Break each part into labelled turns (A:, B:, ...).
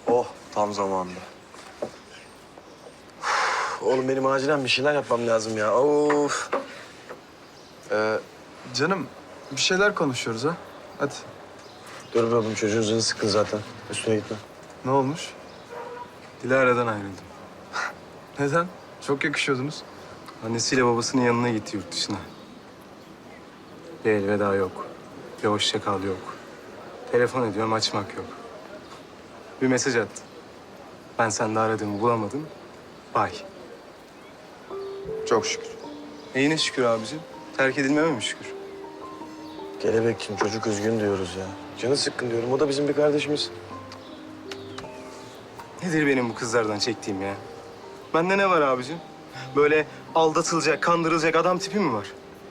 A: Oh, tam zamanında. Oğlum benim acilen bir şeyler yapmam lazım ya. Of.
B: Canım bir şeyler konuşuyoruz ha. Hadi.
A: Dur be oğlum, çocuğun canı sıkkın zaten. Üstüne gitme.
B: Ne olmuş?
C: Dilara'dan ayrıldım.
B: Neden? Çok yakışıyordunuz.
C: Annesiyle babasının yanına gitti yurt dışına. Bir elveda yok. Bir hoşça kal yok. Telefon ediyorum, açmak yok. Bir mesaj attı. Ben sende aradığımı bulamadım. Bay.
B: Çok şükür.
C: Neyine şükür abicim? Terk edilmeme mi şükür?
A: Kelebekçim, çocuk üzgün diyoruz ya. Canı sıkkın diyorum. O da bizim bir kardeşimiz.
C: Nedir benim bu kızlardan çektiğim ya? Bende ne var abicim? Böyle aldatılacak, kandırılacak adam tipi mi var?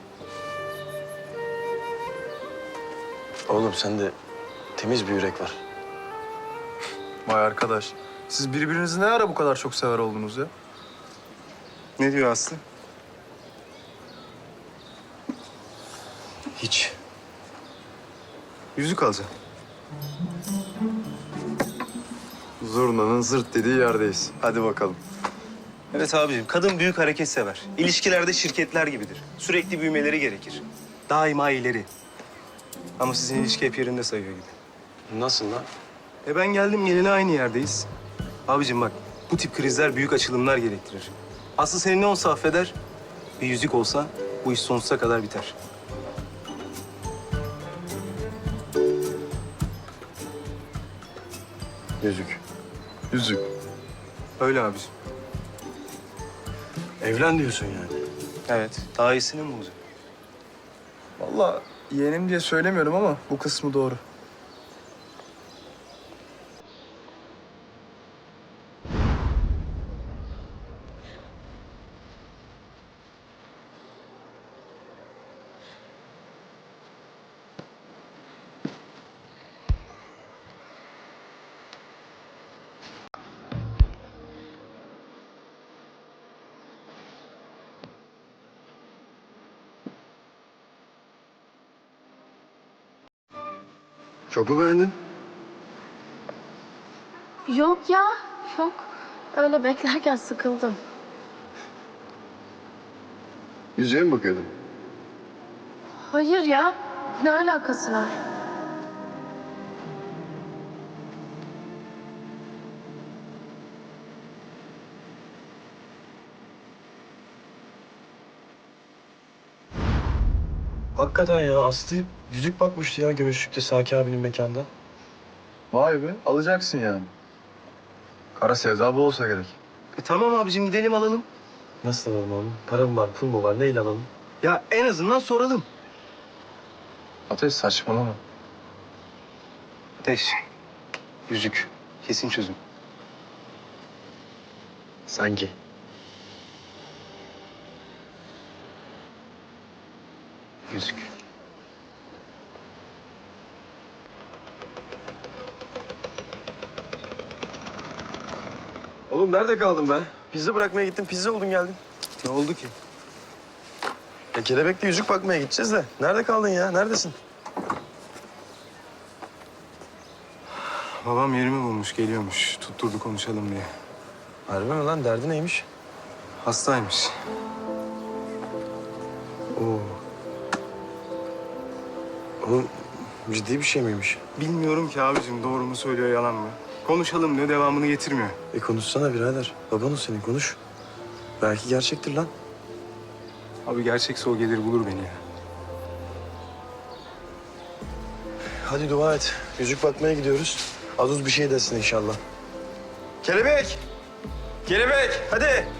A: Oğlum sende temiz bir yürek var.
B: Vay arkadaş. Siz birbirinizi ne ara bu kadar çok sever oldunuz ya?
C: Ne diyor Aslı?
A: Hiç.
C: Yüzük alacağım.
B: Zurnanın zırt dediği yerdeyiz. Hadi bakalım.
C: Evet abicim, kadın büyük hareket sever. İlişkilerde şirketler gibidir. Sürekli büyümeleri gerekir. Daima ileri. Ama sizin ilişki hep yerinde sayıyor gibi.
A: Nasıl lan?
C: Ben geldim geleli aynı yerdeyiz. Abicim bak, bu tip krizler büyük açılımlar gerektirir. Aslı seni ne olsa affeder, bir yüzük olsa bu iş sonsuza kadar biter.
A: Yüzük.
B: Yüzük.
C: Öyle abicim.
A: Evlen diyorsun yani.
C: Evet, daha iyisini mi bulacak?
B: Vallahi yeğenim diye söylemiyorum ama bu kısmı doğru.
A: Çok mu beğendin?
D: Yok ya, yok. Öyle beklerken sıkıldım.
A: Yüzüğe mi bakıyordun?
D: Hayır ya, ne alakası var?
A: Hakikaten ya, Aslı yüzük bakmıştı ya Gümüşlük'te Saki abinin mekanda.
B: Vay be, alacaksın yani. Kara sevda bu olsa gerek.
C: Tamam abicim, gidelim alalım.
A: Nasıl alalım oğlum? Para mı var, pul mu var? Neyle alalım?
C: Ya en azından soralım.
B: Ateş saçmalama.
C: Ateş, yüzük, kesin çözüm.
A: Sanki.
C: Yüzük.
A: Oğlum nerede kaldın be? Pizza bırakmaya gittim, pizza oldun geldin.
C: Ne oldu ki?
A: Ya kelebekle yüzük bakmaya gideceğiz de. Nerede kaldın ya? Neredesin?
C: Babam yerimi bulmuş, geliyormuş. Tutturdu konuşalım diye.
A: Harbi mi lan? Derdi neymiş?
C: Hastaymış.
A: Oo. Oğlum ciddi bir şey miymiş?
C: Bilmiyorum ki abicim, doğru mu söylüyor, yalan mı? Konuşalım diyor, devamını getirmiyor.
A: Konuşsana birader. Baban o senin, konuş. Belki gerçektir lan.
C: Abi gerçekse o gelir bulur beni ya.
A: Hadi dua et. Yüzük bakmaya gidiyoruz. Az uz bir şey desin inşallah. Kelebek! Kelebek! Hadi!